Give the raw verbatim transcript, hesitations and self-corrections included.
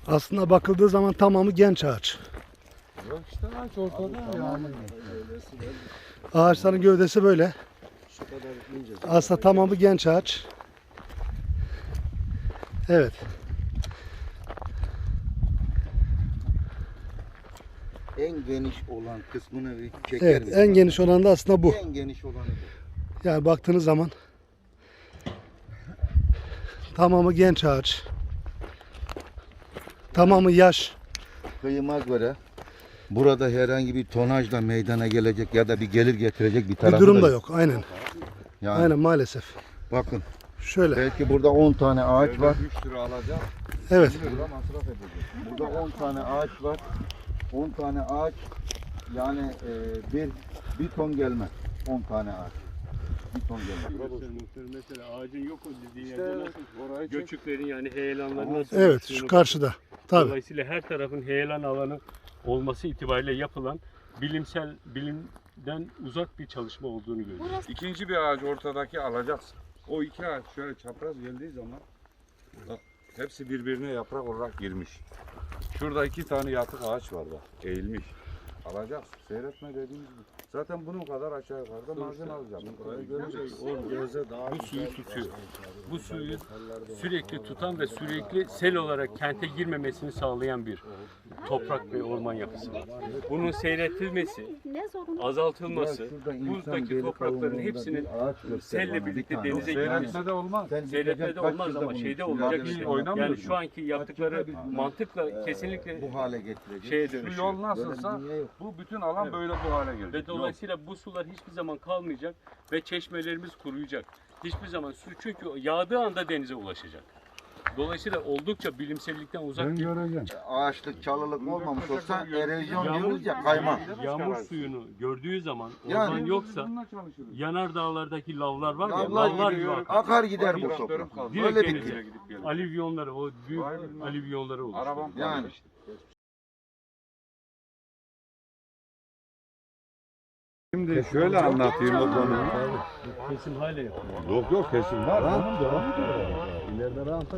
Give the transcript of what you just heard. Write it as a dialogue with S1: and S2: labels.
S1: Aslında bakıldığı zaman tamamı genç ağaç.
S2: Yok işte ağaç ortada ya.
S1: Ağaçların gövdesi böyle.
S3: Şu kadar ince.
S1: Aslında tamamı genç ağaç. Evet.
S3: En geniş olan kısmını bir çeker
S1: Evet,
S3: misin?
S1: en geniş olan da aslında bu.
S3: En geniş olanı bu.
S1: Yani baktığınız zaman tamamı genç ağaç. Tamamı yaş.
S3: Kıyıma göre burada herhangi bir tonajla meydana gelecek ya da bir gelir getirecek bir
S1: Bir
S3: tarafı
S1: durum
S3: da
S1: da yok. Aynen.
S3: Yani
S1: Aynen maalesef.
S3: bakın
S1: Şöyle.
S3: belki burada on tane ağaç var.
S2: üç lira alacak.
S1: Evet.
S2: Burada masraf edecek.
S3: Burada on tane ağaç var. on tane ağaç yani e, bir bir ton gelmez. on tane ağaç. Bir ton gelmez.
S4: Mesela ağacın yok o dediği
S2: İşte
S4: yerde nasıl
S2: orayı çek.
S4: göçüklerin yani heyelanların nasıl
S1: Evet,
S4: oluştuğunu
S1: şu karşıda. Tabii.
S4: Dolayısıyla her tarafın heyelan alanı olması itibariyle yapılan bilimsel bilimden uzak bir çalışma olduğunu görüyoruz.
S2: İkinci bir ağaç ortadaki alacaksın. O iki ağaç şöyle çapraz geldiği zaman bak, hepsi birbirine yaprak olarak girmiş. Şurada iki tane yatık ağaç var bak, eğilmiş. Alacaksın, seyretme dediğimiz gibi. Zaten bunun kadar aşağı yukarıda marjin alacaksın. Burayı göreceksin.
S4: Bu suyu tutuyor. Bu suyu sürekli tutan ve sürekli sel olarak kente girmemesini sağlayan bir toprak ve orman yapısı var. Bunun seyretilmesi, azaltılması, buzdaki toprakların hepsinin selle birlikte denize girmesi.
S2: Seyretmede olmaz.
S4: Seyretmede olmaz ama şeyde olacak şey. Yani şu anki yaptıkları mantıkla kesinlikle
S3: bu hale getirecek.
S4: şeye
S2: Şu
S4: dönüşüyor.
S2: yol nasılsa bu bütün alan böyle bu hale gelecek.
S4: Ve dolayısıyla bu sular hiçbir zaman kalmayacak ve çeşmelerimiz kuruyacak. Hiçbir zaman su çünkü yağdığı anda denize ulaşacak. Dolayısıyla oldukça bilimsellikten uzak bir
S3: Ağaçlık, çalılık olmamış olsa erozyon
S4: Yağmur-
S3: diyoruz ya kayma.
S4: yağmur suyunu gördüğü zaman
S3: Yani-
S4: oradan yoksa
S2: Bununla çalışırız.
S4: yanar dağlardaki lavlar var ya
S3: Lavlar
S4: lavlar gibi
S2: gidiyor,
S4: akar.
S3: Akar gider bu
S2: Traktörüm
S3: toprak.
S2: kaldı.
S4: Direkt
S3: Öyle
S4: denize
S3: bitti.
S2: Gidip geliyor.
S4: Alivyonları o büyük
S2: Vay bilmem.
S4: alivyonları oluşturuyor.
S2: Arabam
S3: Yani.
S2: kaldı işte. Şimdi şöyle anlatayım o konuyu.
S4: Kesim hala yapıyor.
S2: Yok yok kesin var.